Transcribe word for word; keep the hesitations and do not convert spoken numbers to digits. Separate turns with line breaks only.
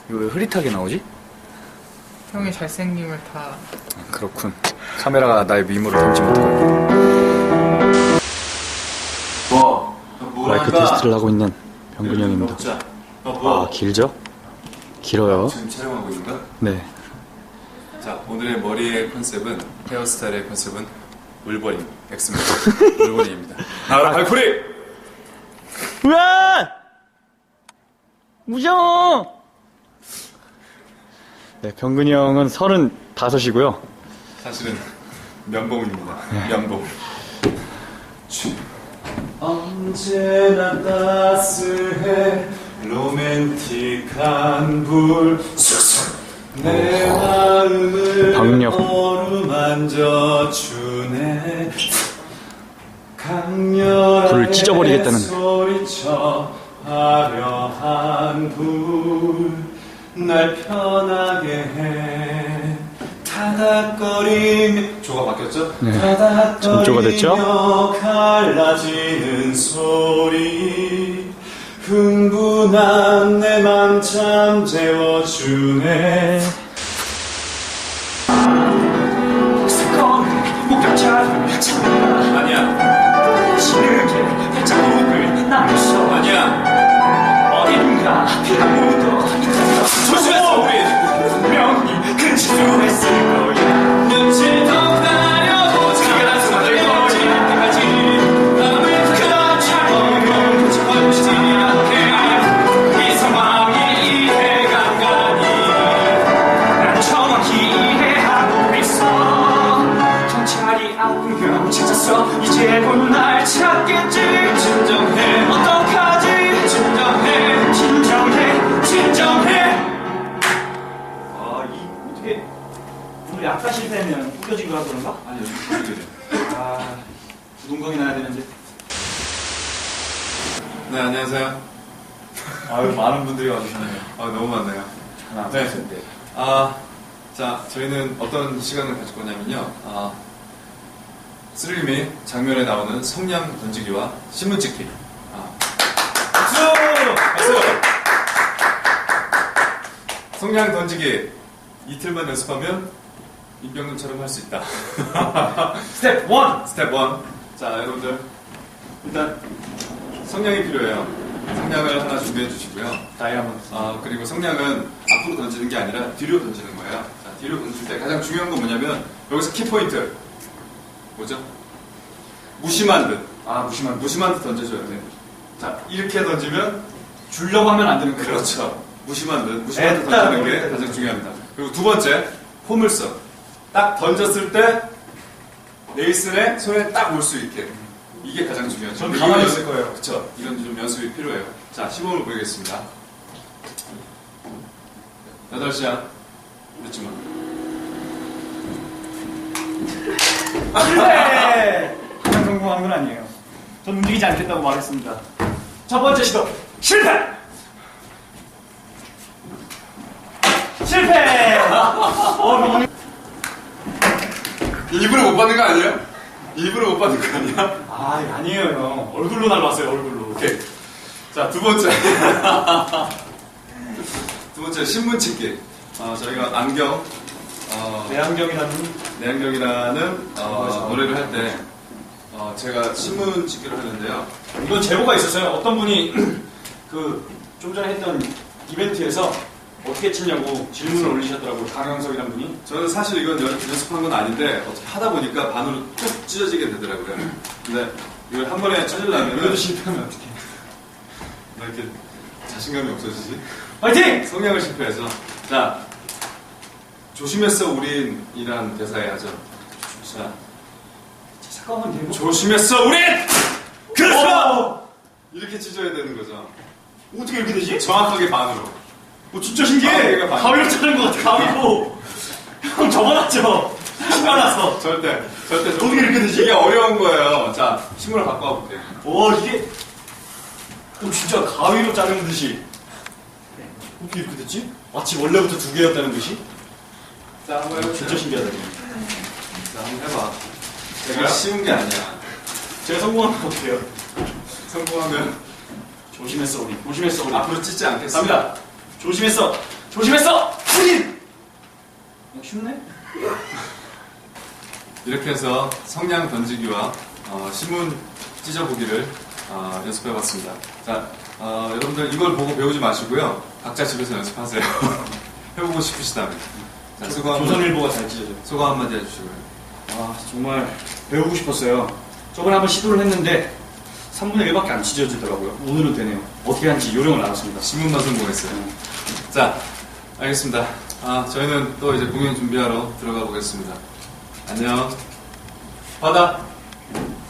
이거 왜 흐릿하게 나오지?
형의 잘생김을 다.
아, 그렇군. 카메라가 나의 미모를 담지 못하고.
뭐? 뭐
마이크
할까?
테스트를 하고 있는 병근이 형입니다.
먹자. 어, 뭐?
아, 길죠? 길어요.
지금 촬영하고 있는가?
네.
자, 오늘의 머리의 컨셉은, 헤어스타일의 컨셉은 울버린, 엑스맨 울버린입니다. 나와라, 발코리!
으아! 무서워! 네, 병근이 형은 서른다섯이고요.
사실은 면봉입니다. 면봉. 언제나 따스해 로맨틱한 불 내 마음을
박력.
어루만져 주네 강렬하게
불을 찢어버리겠다는.
소리쳐 화려한 불 날 편하게 해 타닥거리며 조가 바뀌었죠?
네.
타닥거리며
점조가 됐죠?
갈라지는 소리 흥분한 내 맘 잠재워주네 아니야
시르게 자국을 남겼어.
아니야
어딘가 피가 묻어 있다.
조심해서 우리
분명히 근처했을 거야.
눈치 더 가려보자 네가 날 숨어들 거지 때까지 남을 그처럼 멈춰보지 않게
이 상황이 이해가 가니 난 정확히 이해하고 있어. 경찰이 안경 찾았어. 이제는 날 찾겠지.
진정해
어떡하지?
진정해
진정해, 진정해. 아, 이 어떻게 오늘 약간 실패하면 꾸겨진 거라 그런가?
아니 요즘 부르게 돼
아, 부동강이 나야 되는데.
네 안녕하세요
아유, 많은 분들이 와주시네요.
아 너무 많네요
하나,
네.
둘, 셋, 넷.
아, 자, 저희는 어떤 시간을 가질 거냐면요. 아, 스릴미 장면에 나오는 성냥 던지기와 신문 찍기. 아. 박수! 박수! 성냥 던지기 이틀만 연습하면 임병근처럼 할 수 있다.
스텝 원.
스텝 일. 자, 여러분들. 일단 성냥이 필요해요. 성냥을 하나 준비해 주시고요.
다이아몬드.
아, 그리고 성냥은 앞으로 던지는 게 아니라 뒤로 던지는 거예요. 자, 뒤로 던질 때 가장 중요한 건 뭐냐면 여기서 키포인트 뭐죠? 무심한 듯
아, 무심한.
무심한 듯 던져줘야 돼. 자, 이렇게 던지면
주려고 하면 안 되는 거죠.
그렇죠. 무심한 듯 무심한 듯
에따,
던지는 게
에따,
가장
에따.
중요합니다. 그리고 두 번째 포물선. 딱 던졌을 때 네이슨의 손에 딱 올 수 있게 이게 가장 중요하죠.
전
이거
가만히
연습-
있을 거예요.
그렇죠. 이런 좀 연습이 필요해요. 자, 시범을 보이겠습니다. 여덟 시야. 늦지마.
실패! 그냥 성공한 건 아니에요. 전 움직이지 않겠다고 말했습니다. 첫 번째 시도 실패! 실패! 어, 너무...
일부러 못 받는 거 아니에요? 일부러 못 받는 거 아니야?
아, 아니에요, 형. 얼굴로 날라왔어요, 얼굴로.
오케이. 자, 두 번째. 두 번째, 신문 찍기. 어, 저희가 안경, 어,
내안경이라는
내안경이라는 어, 노래를 할 때, 어, 제가 신문 찍기를 하는데요.
이건 제보가 있었어요. 어떤 분이 그 좀 전에 했던 이벤트에서 어떻게 치냐고 질문을 올리셨더라고요. 강영석이라는 분이.
저는 사실 이건 연- 연습한 건 아닌데, 어떻게 하다 보니까 반으로 쭉 찢어지게 되더라고요. 근데 이걸 한 번에 찢으려면,
이것도 실패하면 어떡해.
왜 이렇게 자신감이 없어지지?
화이팅!
성향을 실패해서. 자, 조심했어, 우린이란 대사에 하죠. 자,
잠깐만, 대보.
조심했어, 우린!
그렇죠!
이렇게 찢어야 되는 거죠.
어떻게 이렇게 되지?
정확하게 반으로.
어, 진짜 신기해.
가위가 반이야.
가위로 자른 것 같아, 가위로. 형 적어놨죠? 신나서.
절대, 절대.
어떻게 이렇게 되지?
이게 어려운 거예요. 자, 신문을 갖고 와볼게요.
오, 이게. 어, 진짜 가위로 자르는 듯이. 어떻게 이렇게 됐지? 마치 원래부터 두 개였다는 듯이?
자, 한번 해보세요.
진짜 신기하다.
자, 한번 해봐. 되게 쉬운 게 아니야.
제가 성공하면 어떡해요?
성공하면
조심했어, 우리. 조심했어, 우리.
앞으로 찢지 않겠어.
갑니다. 조심했어. 조심했어! 후진! 어, 쉽네?
이렇게 해서 성냥 던지기와 어, 신문 찢어보기를 어, 연습해봤습니다. 자, 어, 여러분들 이걸 보고 배우지 마시고요. 각자 집에서 연습하세요. 해보고 싶으시다면. 자, 수고 한번,
조선일보가 잘 찢어져.
소감 한마디 해주시고요.
아, 정말 배우고 싶었어요. 저번에 한번 시도를 했는데 삼분의 일밖에 안 찢어지더라고요. 오늘은 되네요. 어떻게 하는지 요령을 알았습니다.
신문만 성공했어요. 자, 알겠습니다. 아, 저희는 또 이제 공연 준비하러 들어가 보겠습니다. 안녕. 받아.